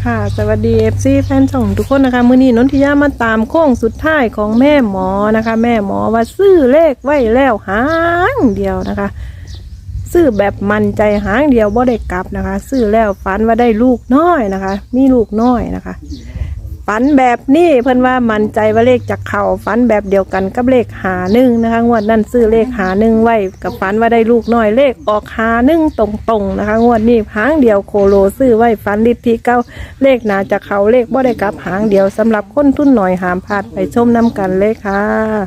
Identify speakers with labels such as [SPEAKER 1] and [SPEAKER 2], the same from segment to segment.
[SPEAKER 1] ค่ะสวัสดี FC แฟนช่องทุกคนนะคะมื้อนี้นนทิยามาตามโค้งสุดท้ายของแม่หมอนะคะ แม่หมอว่าซื้อเลขไว้แล้วหางเดียวนะคะ ซื้อแบบมั่นใจหางเดียวบ่ได้กลับนะคะ ซื้อแล้วฝันว่าได้ลูกน้อยนะคะ มีลูกน้อยนะคะฝันแบบนี้เพิ่นว่ามั่นใจว่าเลขจากเข่าฝันแบบเดียวกันกับเลข51นะคะงวดนั้นซื้อเลข51ไว้กับฝันว่าได้ลูกน้อยเลขออก51ตรงๆนะคะงวดนี้หางเดียวโคโลซื้อไว้ฝันลิทธิเก้าเลขหนาจากเขาเลขบ่ได้กลับหางเดียวสำหรับคนทุนหน่อยหามพลาดไปชมน้ำกันเลยค่ะ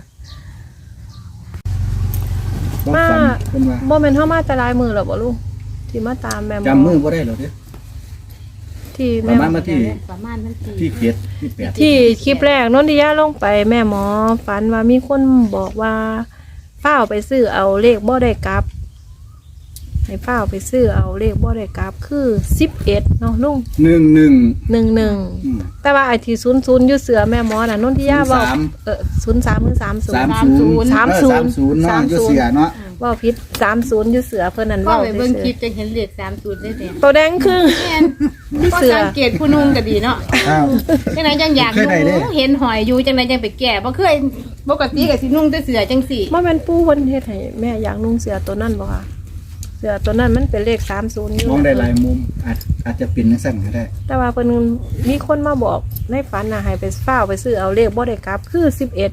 [SPEAKER 1] มาบ่แม่นเฮามาแต่ลายมือหรอบ่ลูกที่มาตามแม่หมอ
[SPEAKER 2] จำมือบ่ได้หรอเด้อ
[SPEAKER 1] ที่
[SPEAKER 2] ป
[SPEAKER 1] แม่
[SPEAKER 2] ระมาณมาที่
[SPEAKER 3] ประมาณวันที่
[SPEAKER 2] ที่เจ็ดที่แปด
[SPEAKER 1] ที่คลิปแรกนนทิยาลงไปแม่หมอฝันว่ามีคนบอกว่าฝ้าวไปซื้อเอาเลขบ่ได้กลับให้ฝ้าวไปซื้อเอาเลขบ่ได้กลับคือ11เนาะลุง
[SPEAKER 2] 11
[SPEAKER 1] 11แต่ว่าไอ้ที่00อยู่เสือแม่หมอน่ะนนทิยาเว้า03หรือ30
[SPEAKER 2] 30 30เนาะอยู่เสียเนาะ
[SPEAKER 1] เว้าผิด30อยู่เสือเพิ่นนั่น
[SPEAKER 3] ก็
[SPEAKER 1] เว้า
[SPEAKER 3] ไปเบิ่งคลิป
[SPEAKER 1] ซื่อ
[SPEAKER 3] จะเห็นเลข30ได้แต่
[SPEAKER 1] ๆตัวแดงคือ
[SPEAKER 3] แม่นก็สังเกตผู้นุ่งก็ดีเนาะ
[SPEAKER 2] อ้าว
[SPEAKER 3] จังไดจังอยาก
[SPEAKER 2] เคยได้เด้
[SPEAKER 3] นุ่งเห็นหอยอยู่จังไดจังไปแก่บ่เคยปกติก็สินุ่งแต่เสื้อจังสี่
[SPEAKER 1] บ่แม่นปู่เพิ่นเฮ็ดให้แม่อยากนุ่งเสือตัวนั้นบ่ค่ะเสือตัวนั้นมันเป็นเลข30อยู่
[SPEAKER 2] มองได้หลายมุมอาจจะเป็นจังซั่นก็ได้
[SPEAKER 1] แต่ว่าเพิ่นมีคนมาบอกในฝันน่ะให้ไปฝ้าวไปซื้อเอาเลขบ่ได้กลับคือ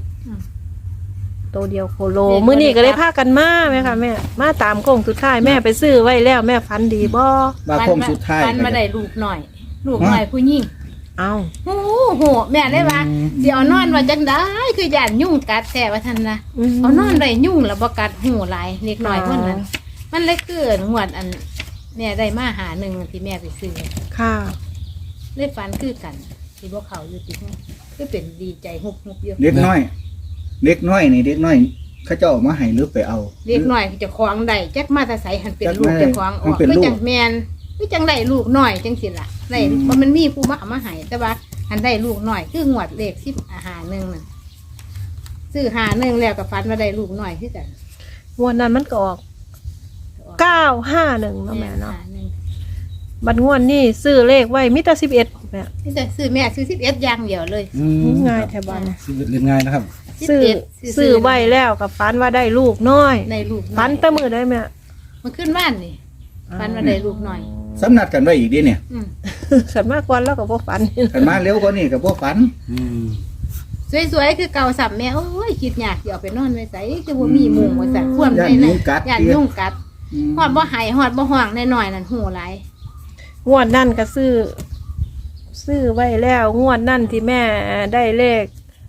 [SPEAKER 1] 11ตัวเดียวโคโลมื้อนี้ก็เลยพากันมาแม่ค่ะแม่มาตามโค้งสุดท้ายแม่ไปซื้อไว้แล้วแม่ฝันดีบ่
[SPEAKER 2] ว่าโค้งสุดท้าย
[SPEAKER 3] ปันมาได้ลูกหน่อย ลูกหน่อยผู้หญิง
[SPEAKER 1] เอ้า
[SPEAKER 3] โอ้โหแม่ได้ว่าสิเอานอนว่าจังได้คือย่านยุ่งกัดแท้ว่าท่านนะเอานอนได้ยุ่งแล้วบ่กัดหูหลายเล็กน้อยเพิ่นนั้นมันเลยเกิดหวดอันแม่ได้มาหาหนึ่งที่แม่ไปซื้อ
[SPEAKER 1] ค่ะ
[SPEAKER 3] ได้ฝันคือกันที่บ่เขาอยู่ที่ห้องคือเป็นดีใจฮุบเยอะ
[SPEAKER 2] เด็กน้อยนี่เด็กน้อยเขาเจ้าเอามาให้หรือไปเอา
[SPEAKER 3] เล็กน้อยจะคล้องได้จักมาแต่ใสหันเป็นลูก
[SPEAKER 2] จักมา
[SPEAKER 3] จะคล้องอ
[SPEAKER 2] มั
[SPEAKER 3] อน ก
[SPEAKER 2] เป็น
[SPEAKER 3] ก็
[SPEAKER 2] ลูก
[SPEAKER 3] จังแมนก็จังได้ลูกน้อยจังสิล่ะได้ว่ามันมีผู้มาเอามาให้แต่ว่าหันได้ลูกน้อยคืองวดเลข10 1น่ะซื้อ51แล้วก็ฝันว่าได้ลูกน้อยคือกัน
[SPEAKER 1] งวดนั้นมันก็ออก951เนาะแม่เนาะ
[SPEAKER 3] 51
[SPEAKER 1] บัดงวดนี้ซื้อเลขไว้มีแต่11แม่
[SPEAKER 3] นี่จะซื้อแม่ซื้อ11อย่างเดียวเลย
[SPEAKER 1] ง่ายแท้บ้าน
[SPEAKER 2] เรียนง่ายนะครับ
[SPEAKER 1] ซื้อไว้แล้วกับฝันว่าได้ลูกน้อย
[SPEAKER 3] ได้ลูกน้อย
[SPEAKER 1] ฝันแต่มื้อได้แม่
[SPEAKER 3] มันขึ้นบ้านนี่ฝันว่าได้ลูกน้อย
[SPEAKER 2] สำนัดกันไว้อีกดิเนี่ย
[SPEAKER 1] ขันมากกว่าแล้วก็บ่ฝัน
[SPEAKER 2] กันมาเร็วกว่านี้ก็บ่ฝัน
[SPEAKER 3] สวยๆคือเก่าสับแม่โอ้ยคิดอยากสิเอาไปนอนไว้ใส่คือบ่มีมุงว่าซั่นควมได้เลยย่านยุ่งกัดฮอดบ่หายฮอดบ่ห้องน้อยๆนั่นหูหลาย
[SPEAKER 1] งวดนั่นก็ซื้อไว้แล้วงวดนั่นที่แม่ได้เลข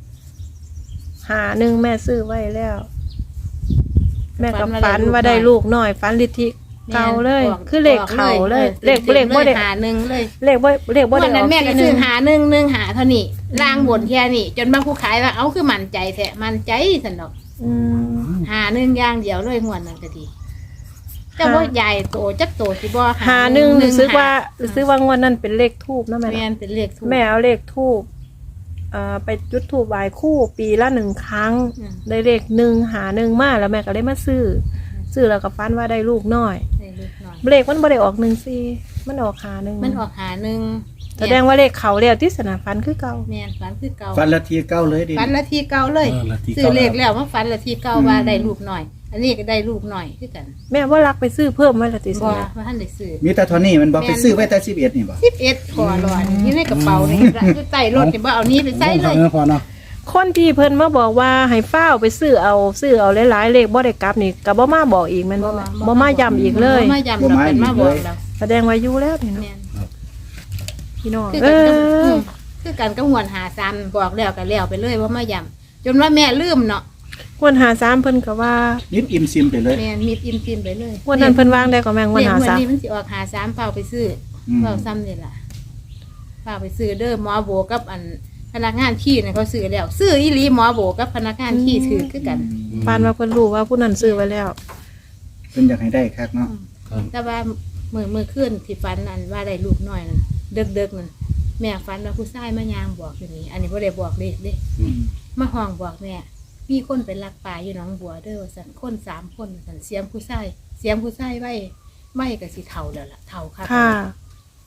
[SPEAKER 1] 51แม่ซื้อไว้แล้ว แม่ก็ฝันว่าได้ลูกน้อยฝันลิทธิเก่าเลย คือเลขเข่าเลยเลขบ่ได้
[SPEAKER 3] หาหนึ่งเลย
[SPEAKER 1] เลขบ่
[SPEAKER 3] วัน
[SPEAKER 1] ได้อ
[SPEAKER 3] นั้
[SPEAKER 1] อน ก
[SPEAKER 3] แม่ก็
[SPEAKER 1] ที
[SPEAKER 3] ซื้
[SPEAKER 1] นึ
[SPEAKER 3] อง หาหนึ่งหาเท่านี้ล่างบนแค่นี้จนบางผู้ขายว่าเอาคือมั่นใจแท้มั่นใจซั่นดอก
[SPEAKER 1] อืม
[SPEAKER 3] หาหนึ่งอย่างเดียวเลยงวดนั้นก็ดีเจ้าบ่ใหญ่โตจักโตสิบ่
[SPEAKER 1] 51รู้สึกว่างวดนั้นเป็นเลขทูบนะแม่
[SPEAKER 3] แม่นเป็นเลขถูก
[SPEAKER 1] แม่เอาเลขทูบไปจุดทูบไหว้คู่ปีละ1ครั้ง ได้เลข1มาแล้วแม่ก็เลยมาซื้อแล้วก็ฝันว่าได้ลูกน้อย
[SPEAKER 3] ได้เลขน้อย
[SPEAKER 1] เลขมันบ่ได้ออก14มันออก51
[SPEAKER 3] มันออกหาหนึ่ง
[SPEAKER 1] แสดงว่าเลขเขาแล้วที่สนามฟันคือเก่า
[SPEAKER 3] แม่นฝันคือเก่า
[SPEAKER 2] ฝันละทีเก้าเลยดิ
[SPEAKER 3] ฝันละทีเก่าเลย
[SPEAKER 2] ละที
[SPEAKER 3] ซื้อ
[SPEAKER 2] เก้า
[SPEAKER 3] เลขแล้วมาฝันละทีเก่าว่าได้ลูกหน่อย อันนี้ก็ได้ลูกหน่อยคือกัน
[SPEAKER 1] แม่ว่ารักไปซื้อเพิ่มไว้ละติส
[SPEAKER 3] บ่
[SPEAKER 1] นะ
[SPEAKER 3] ว่าท่านได้ซื้อ
[SPEAKER 2] มีแต่เท่านี้มันบ่ไปซื้อไว้แต่11นี่บ่
[SPEAKER 3] 11ขอรอดอยู่ในกระเป๋านี่อยู่ใต้รถนี่บ่เอานี้ไปใส่เลย
[SPEAKER 2] พอเนาะ
[SPEAKER 1] คนที่เพิ่นมาบอกว่าให้ฟ้าวไปซื้อเอาหลายๆเลขบ่ได้กลับนี่ก็บ่มาบอกอีกแม่นบ่แม่บ่มาย้ำอีกเลย
[SPEAKER 3] บ่มาย้ำเราเป็นมาบอกเรา
[SPEAKER 1] แสดงว่าอยู่แล้วนี่เนาะ
[SPEAKER 3] แม่น
[SPEAKER 1] พี่น้อง
[SPEAKER 3] คือกันกับคือกันกับหวนหาซ้ำบอกแล้วก็แล้วไปเลยว่ามาย้ำจนว่าแม่ลืมเนาะ
[SPEAKER 1] ควรหา3เพิ่นก็ว่า
[SPEAKER 2] นิดอิ่มซิมไปเลย
[SPEAKER 3] แม่มีอินไปเลย
[SPEAKER 1] วันนั้นเพิ่นวางได้ก็แม่งวันหา
[SPEAKER 3] วันนี้มันสิออกหา3เฝ้าไปซื้อเฝ้าซ้ำนี่ล่ะเฝ้าไปซื้อเด้อหมอโบกับอันพนักงานขี้เนี่ยเขาซื้อแล้วซื้ออีหลีหมอโบกับพนักงานขี้ถือคือกัน
[SPEAKER 1] ปานว่าเพิ่นรู้ว่าผู้นั้นซื้อไว้แล้ว
[SPEAKER 2] เพิ่นอยากให้ได้คักเนาะ
[SPEAKER 3] แต่ว่ามือขึ้นที่ฟันนั่นว่าได้ลูกน้อยนั่นเด็กนั่นแม่ฟันว่าผู้ชายมายางบอกอยู่นี่อันนี้บ่ได้บอกเด็กเด้มาห้องบอกแม่มีคนไปลักปลาอยู่หนองบัวเด้อว่าซั่นคน3คนว่าซั่นเสียงผู้ชายไว้ก็สิเฒ่าแล้วล่ะเฒ่าค่ะ
[SPEAKER 1] ค่ะ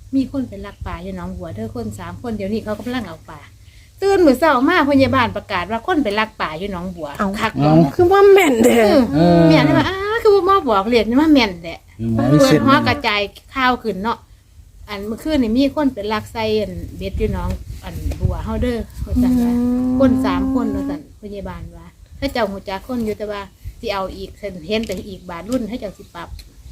[SPEAKER 3] มีคนเป็นลักป่าอยู่หนองบัวเด้อคน3คนเดี๋ยวนี้เขากำลังเอาป่าตื่นมื้อเช้ามาพยาบาลประกาศว่าคนเป็นลักป่าอยู่หนองบัวคัก
[SPEAKER 1] คือว่าแม่นเด้อ
[SPEAKER 3] แม่นว่าคือบ่มาบอกเรียนว่าแม่นแหละ
[SPEAKER 4] หมอมี
[SPEAKER 3] เปิ
[SPEAKER 4] เส้
[SPEAKER 3] ด
[SPEAKER 4] น
[SPEAKER 3] หัวกระจายข่าวขึ้นเนาะอันเมื่อคืนนี่มีคนเป็นลักไส้อันเบ็ดอยู่หนองอันบัวเฮาเด้อว่าซั่นว่าคน3คนว่าซั่นพยาบาลว่าถ้าเจ้าฮู้จักคนอยู่แต่ว่าสิเอาอีกเห็นแต่อีกบาทรุ่นให้เจ้าสิปรับ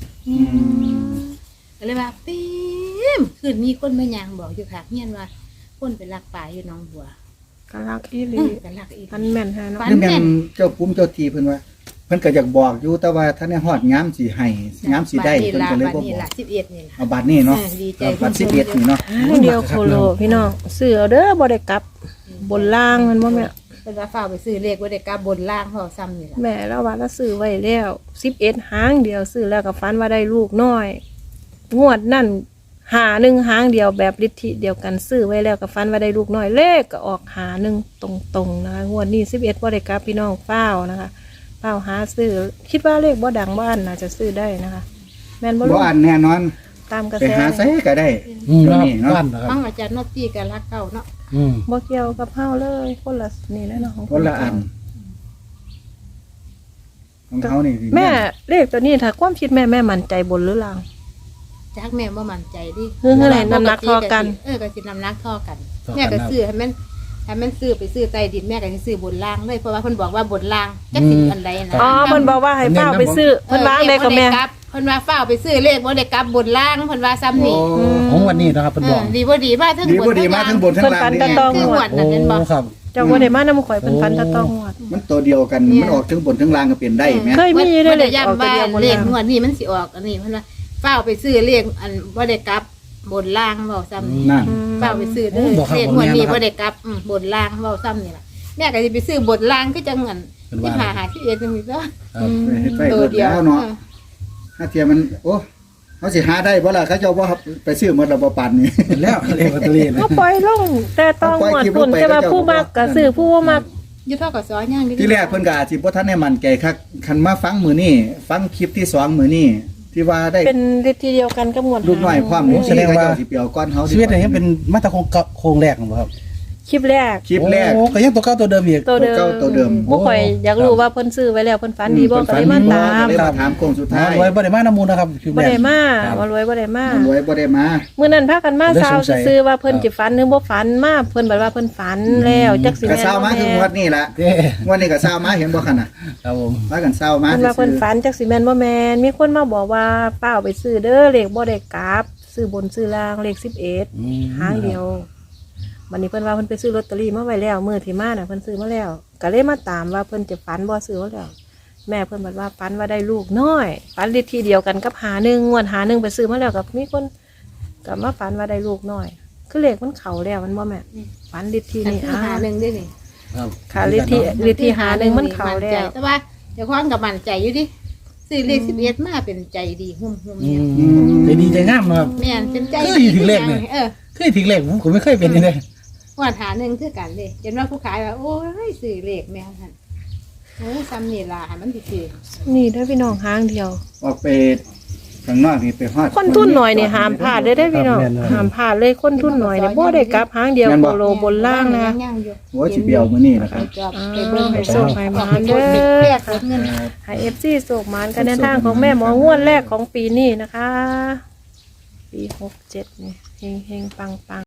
[SPEAKER 3] ก็เลยว่าปีมคืนมีคนมายางบอกอยู่ค่ะเฮียนว่าคนเป็นลักป่าอยู่หนองบัว
[SPEAKER 1] กะลักอีหลี
[SPEAKER 3] กันลักอีก
[SPEAKER 1] พันแม่นแท้เนาะ
[SPEAKER 3] ฟั
[SPEAKER 2] นี่แม่นเจ้าปุ้มเจ้าทีเพิ่นว่าเพิ่นก็อยากบอกอยู่แต่ว่าท่านได้ฮอดย้ำสิให้ย้ำสิได้
[SPEAKER 3] บั
[SPEAKER 2] เพิ่นก็เลยบ่
[SPEAKER 3] นี่
[SPEAKER 2] บอก
[SPEAKER 3] ล่ะ11นี่ล่ะ
[SPEAKER 2] เอาบัตรนี่เนาะ
[SPEAKER 3] ดีใจ
[SPEAKER 2] เอาบัตร11นี่เนาะ
[SPEAKER 1] หางเดียวโคโลพี่น้องซื้อเอาเด้อบ่ได้กลับบนล่างมันบ่แม่
[SPEAKER 3] เป็นว่าฟ้าไปซื้อเลขบ่ได้กลับบนล่างเพราะซ้ำนี่ล่ะ
[SPEAKER 1] แม่เราว่าเราซื้อไว้แล้ว11หางเดียวซื้อแล้วก็ฝันว่าได้ลูกน้อย งวดนั่นหาหนึ่งหางเดียวแบบฤทธิเดียวกันซื้อไว้แล้วก็ฝันว่าได้ลูกน้อยเลขก็ออกหาหนึ่งตรงๆนะคะงวดนี้11บ่ได้กลับพี่น้องเฝ้านะคะเฝ้าหาซื้อคิดว่าเลขบ่ดังบ้านน่าจะซื้อได้นะคะ แม่นบ่
[SPEAKER 2] บ่
[SPEAKER 1] รู้
[SPEAKER 2] อันแน่นอน
[SPEAKER 1] ตามกระ
[SPEAKER 2] ไป
[SPEAKER 1] แส
[SPEAKER 2] หาไสก็ได้
[SPEAKER 4] ครับ
[SPEAKER 2] นี่เนาะ
[SPEAKER 4] บ้านนะครับ
[SPEAKER 3] ฟังอาจารย์นอตตี้กับรักเก่าเนาะ
[SPEAKER 1] บ่เกี่ยวกับเฮาเลยคนละนี่แหละเนาะของ
[SPEAKER 2] คนละอันของเขานี่สิ
[SPEAKER 1] แม่เลขตัวนี้ถ้าความคิดแม่มั่นใจบนหรือล่าง
[SPEAKER 3] จักแม่บ่มั่นใจดิ
[SPEAKER 1] คือเท่าไหร่น้ำหนักเท่ากัน
[SPEAKER 3] ก็สิน้ำหนักเท่ากัน
[SPEAKER 4] เท่ากัน
[SPEAKER 3] แม่ก็ซื้อให้มันซื้อไปซื้อใต้ดินแม่ก็สิซื้อบนล่างเลยเพราะว่าเพิ่นบอกว่าบนล่างจักสิอันใดนะ
[SPEAKER 1] อ๋อเพิ่นบอกว่าให้เฝ้าไปซื้อเพิ่นวางได้ก็แม่
[SPEAKER 3] เพิ่นว่าฝ้าวไปซื้อเลขบ่ได้กลับบนล่างเพิ่นว่าซ้ำ
[SPEAKER 2] โอ้
[SPEAKER 3] นี่
[SPEAKER 4] ของวันนี้นะครับเป็นบอก
[SPEAKER 3] ดีบ่ดีมาทั้ง
[SPEAKER 2] ดี
[SPEAKER 3] บ
[SPEAKER 2] บ่
[SPEAKER 3] น
[SPEAKER 2] ดีมาทั้งบนทั้งล่าง
[SPEAKER 1] เพิ่นฝัน
[SPEAKER 2] นี่
[SPEAKER 1] แต่
[SPEAKER 2] ไง
[SPEAKER 1] ต้อง
[SPEAKER 3] คือหวด
[SPEAKER 4] โอ้
[SPEAKER 3] นั่นเห็นบ่
[SPEAKER 4] ครับ
[SPEAKER 1] เจ้าบ่ได้มานำข่อยเพิ่นฝันแตะต้องงวด
[SPEAKER 2] มันตัวเดียวกันมันออกทั้งบนทั้งล่างก็เปลี่ยนได้แม่
[SPEAKER 1] เคยมีได้
[SPEAKER 3] บ่
[SPEAKER 1] เล
[SPEAKER 3] ได้
[SPEAKER 1] ขออก
[SPEAKER 3] ย้ำ
[SPEAKER 1] ตัว
[SPEAKER 3] ว่า
[SPEAKER 1] เดียวบน
[SPEAKER 3] เลข
[SPEAKER 1] ล่าง
[SPEAKER 3] งวดนี้มันสิออกอันนี้เพิ่นว่าฝ้าวไปซื้อเลขอันบ่ได้กลับบนล่างเว้าซ้ำนี่
[SPEAKER 2] นั่น
[SPEAKER 3] ฝ้าวไปซื้อเด้อ
[SPEAKER 4] บอกครับ
[SPEAKER 3] เลขงวดนี้
[SPEAKER 4] บอกแม่นะครับ
[SPEAKER 3] บ่ได้กลับบนล่างเว้าซ้ำนี่ล่ะแม่ก็สิไปซื้อบนล่างคือจังอัน
[SPEAKER 4] เป็น
[SPEAKER 3] ที่
[SPEAKER 4] ว่า
[SPEAKER 3] หาที่เอ็ดจังซี่เด้อ
[SPEAKER 4] ครับ
[SPEAKER 2] ไปเฮ็ดไป
[SPEAKER 3] ตัว
[SPEAKER 2] เบิด
[SPEAKER 3] เดียว
[SPEAKER 2] แล้วเนาะถ้าเทียมันโอ้เขาสิหาได้บ่ล่ะเขาเจ้าบ่ไปซื้อหมดแล้วบ่ปานนี่
[SPEAKER 4] เห็นแล้วเลขลอตเตอรี่นะ
[SPEAKER 1] ก็ปล่อยลงแต่ต้องงวดพุ่นแต่ว่าผู้มักก็ซื้อผู้บ่มัก
[SPEAKER 3] อยู่เท่ากับซอยย่างดี
[SPEAKER 2] ที่แรกเพิ่นก็อาจสิบ่ทันได้มั่นใจคักคันมาฟังมื้อนี้ฟังคลิปที่2มื้อนี้ที่ว่าได้
[SPEAKER 1] เป็นฤทธิ์เดียวกันกับงวด
[SPEAKER 2] ลูกน้อยความนี่
[SPEAKER 4] แสดงว่า
[SPEAKER 2] เขเจ้สิเปียวก้อนเฮา
[SPEAKER 4] ชีวิตอันนี้เป็นมาตรโครงแรกของผมครับ
[SPEAKER 1] คลิปแรก
[SPEAKER 2] คลิปแรก
[SPEAKER 4] โอ้ก็ยังตัวเก่าตัวเดิมอีก
[SPEAKER 1] ตัวเดิม
[SPEAKER 2] เก่าตัวเดิม
[SPEAKER 1] บ่ข่อยอยากรู้ว่าเพิ่นซื้อไว้แล้วเพิ่นฝันดีบ่ก็เลยมาตาม
[SPEAKER 2] เลยมาถามโค้งสุดท้าย
[SPEAKER 4] รวยบ่ได้มาน้ำมูลนะครับคือ
[SPEAKER 1] บ่
[SPEAKER 4] แม่
[SPEAKER 1] ได้มา
[SPEAKER 4] ครับ
[SPEAKER 1] ว่ารวยบ่ได้มา
[SPEAKER 2] รวยบ่ได้มา
[SPEAKER 1] มื้อนั้นพากันมา
[SPEAKER 4] ได้
[SPEAKER 1] ซาว
[SPEAKER 4] สงสัย
[SPEAKER 1] ซื้อว่าเพิ่นสิฝันหรือบ่ฝันมาเพิ่นบอกว่าเพิ่นฝันแล้วจักสิ
[SPEAKER 2] ก็
[SPEAKER 1] แม่น
[SPEAKER 2] เศร้ามาคืองวดนี้ล่ะ
[SPEAKER 4] เด้
[SPEAKER 2] งวดนี้ก็เศร้ามาเห็นบ่คั่นน่ะ
[SPEAKER 4] ครับผม
[SPEAKER 2] ว่ากันเศร้ามา
[SPEAKER 1] เพิ่นว่าเพิ่นฝันจักสิแม่นบ่แม่นมีคนมาบอกว่าเป้าไปซื้อเด้อเลขบ่ได้กลับซื้อบนซื้อล่างเลข11หางเดียววันนี้เพิ่นว่าเพิ่นไปซื้อลอตเตอรี่มาไว้แล้วมื้อที่มาน่ะเพิ่นซื้อมาแล้วก็เลยมาตามว่าเพิ่นจะฝันบ่ซื้อมาแล้วแม่เพิ่นบอกว่าฝันว่าได้ลูกน้อยฝันฤทธิ์ที่เดียวกันกับหาหนึ่งงวดหาหนึ่งไปซื้อมาแล้วกับมีคนก็มาฝันว่าได้ลูกน้อย คือเลขมันเข้าแล้วมันบ่แม่ฝันฤทธิ์ที่
[SPEAKER 3] อัน
[SPEAKER 1] นี่
[SPEAKER 3] คือหาหนึ่งได้นี่
[SPEAKER 4] ครับ
[SPEAKER 1] ค่ะฤทธิ์ที่หาหนึ่งมันเข้าแล้ว
[SPEAKER 3] แต่ว่าเดี๋ยวความกับมั่นใจอยู่ดิซื้อเลข11มาเป็นใจดีหุ่ม
[SPEAKER 4] อื
[SPEAKER 3] เนี่ย
[SPEAKER 4] มใจดีใจงามนะครับ
[SPEAKER 3] แม่นเป็นใจ
[SPEAKER 4] เคยถึงเลขเนี่ย เคยถึงเลขผมไม่เคยเป็นเลย
[SPEAKER 3] ว่าหาหนึ่งคือกันเลยเห็นว่าผู้ขายว่าโอ้ยซื้อเลขแม่ท่านโอ้ซ้ำนี่ล่ะให้มันสิ
[SPEAKER 1] นี่ได้อพี่น้องหางเดียว
[SPEAKER 2] ออกไปข้างนอกนี่ไปฮอด
[SPEAKER 1] คนทุนหน่อยนี่ห้ามพลาดเลยได้อพี่น้องห้ามพลาดเลยคนทุนหน่อยเนี่ยบ่ได้กลับหางเดียวโคโลบนล่างนะ
[SPEAKER 3] ย่างอยู่
[SPEAKER 2] โอ้สิเปียวมื้อนี้นะครับ
[SPEAKER 3] ไปเบิ่ง
[SPEAKER 1] ไปส่งให้หมานเด้อ
[SPEAKER 3] แลกเงิน
[SPEAKER 1] ให้ FC โศกหมานกันในทางของแม่หมองวดแรกของปีนี้นะคะ ปี67นี่เฮงๆปังๆ